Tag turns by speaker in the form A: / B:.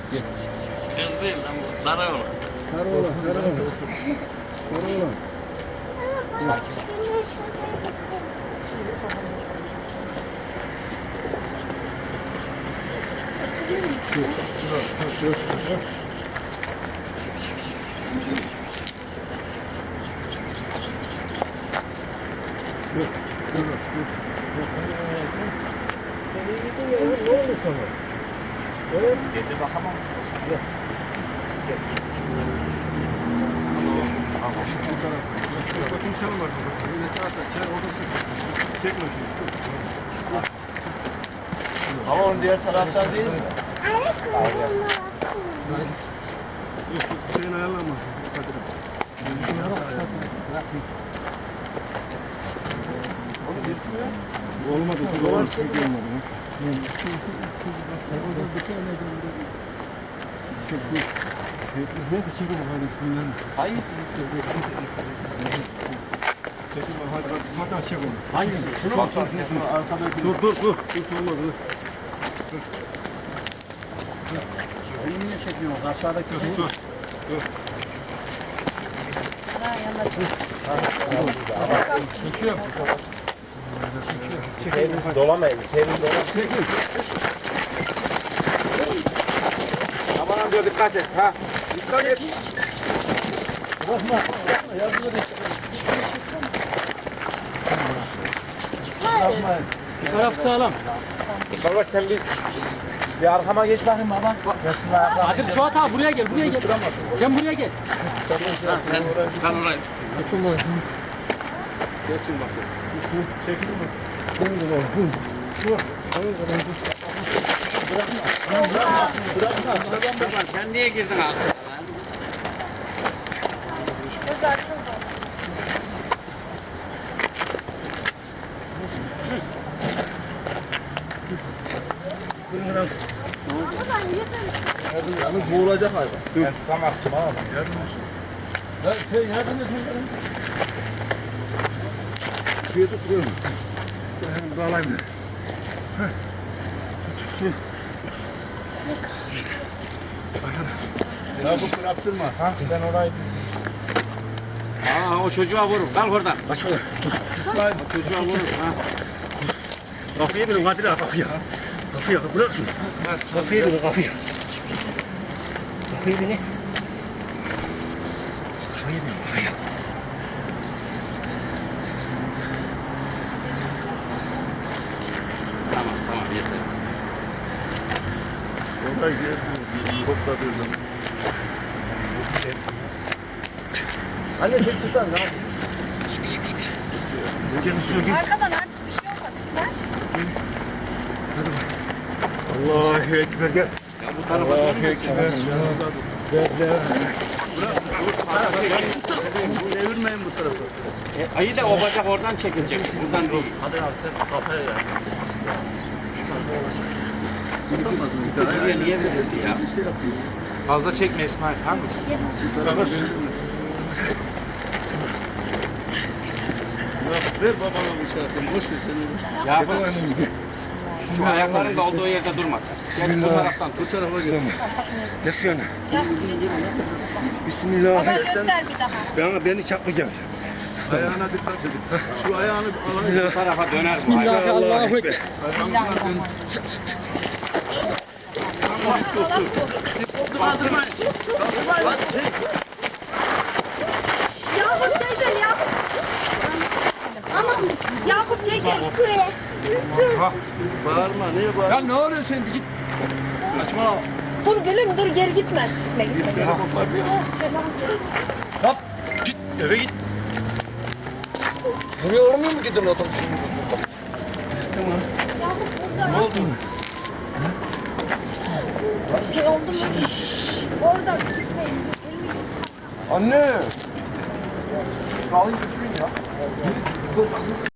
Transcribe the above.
A: Kız değil lan bu. Sarı olan.
B: Sarı olan. Ne oldu sana? Evet.
A: Getir bakalım.
B: Bakın sen var. Ne tarafta? Çay odası. Çekme şunu.
A: Ama onun diğer taraftan değil mi?
B: Şeyin ayarlanmasın. Olmadı. Olmadı. Neyse çekin hadi bismillah.
A: Hangisi?
B: Çekin hadi çek onu.
A: Hangisi? Şunu mu? Arkadaki.
B: Dur olmadı dur.
A: Beni niye çekiyorsun? Aşağıdaki şey.
B: Dur.
A: Çekiyorum. Çekiyorum. Dolamayın. Çekin.
B: Aman amca dikkat et ha. Dikkat et.
A: Bırakma. Yardım edin. Bırakmayın. Bir taraf sağlam.
B: Kardeş sen bir arkama geç bakayım baba.
A: Hadi Suat abi buraya gel. Sen buraya gel. Sen oraya.
B: Geçin bakayım. Çekil bak.
A: Bırakma. Sen niye girdin abi?
C: Gözü açıldı.
B: Yalnız boğulacak hayvan. Dur. Tamam abi. Yardım olsun. Yardım et. Şuraya tutturuyor musun? Hemen bağlayayım da. Ya bu bıraktırma. Ha? Ben orayı...
A: O çocuğa vurur. Kalk oradan.
B: Aç onu.
A: O çocuğa vurur.
B: Kapıya binin Kadir abi kapıya. Kapıya bırak şunu. Kapıya binin kapıya. Kapıya binin. Kapıya binin kapıya.
A: Tamam yeter.
B: Oraya geldi. Topladığı zaman. Anne sen çıksan ne yapayım?
C: Arkadan artık bir şey olmadı.
B: Allahu Ekber gel.
A: Ya bu tarafa
B: Allahu
A: dönmesin.
B: Ekber. Devirmeyin bu tarafa.
A: Ayı da o bacak oradan çekilecek. Buradan değil.
D: Hadi abi sen kafaya ya.
A: Buraya niye verildi ya?
D: Fazla çekme İsmail. Tamam mı?
B: Ver babana bu şarkıyı. Boş ver seni.
A: Ya bak, şu ayakların da olduğu yerde durmaz. Gel bu taraftan tut.
B: Bu tarafa gel. Yasın.
C: Göster
B: Bismillahirrahmanirrahim.
C: bir daha.
B: Beni çarpmayacaksın. Ayağına dikkat edin. Şu ayağını alayım.
A: Bu tarafa döner bu ayak.
B: Allahu Ekber.
C: Yakup teyze ya. Aman Yakup teyze.
B: Bağırma, niye bağırma? Ya ne oluyor sen bir git. Saçma.
C: Dur gülüm dur geri gitme.
B: Git beni kopar bir. Hop, git eve git. Buraya olmuyor mu gidin otobüsün? Tamam. Ne oldu?
C: Bir şey oldu mu? Orada gitmeyin.
B: Anne! Kalın gitmeyin ya.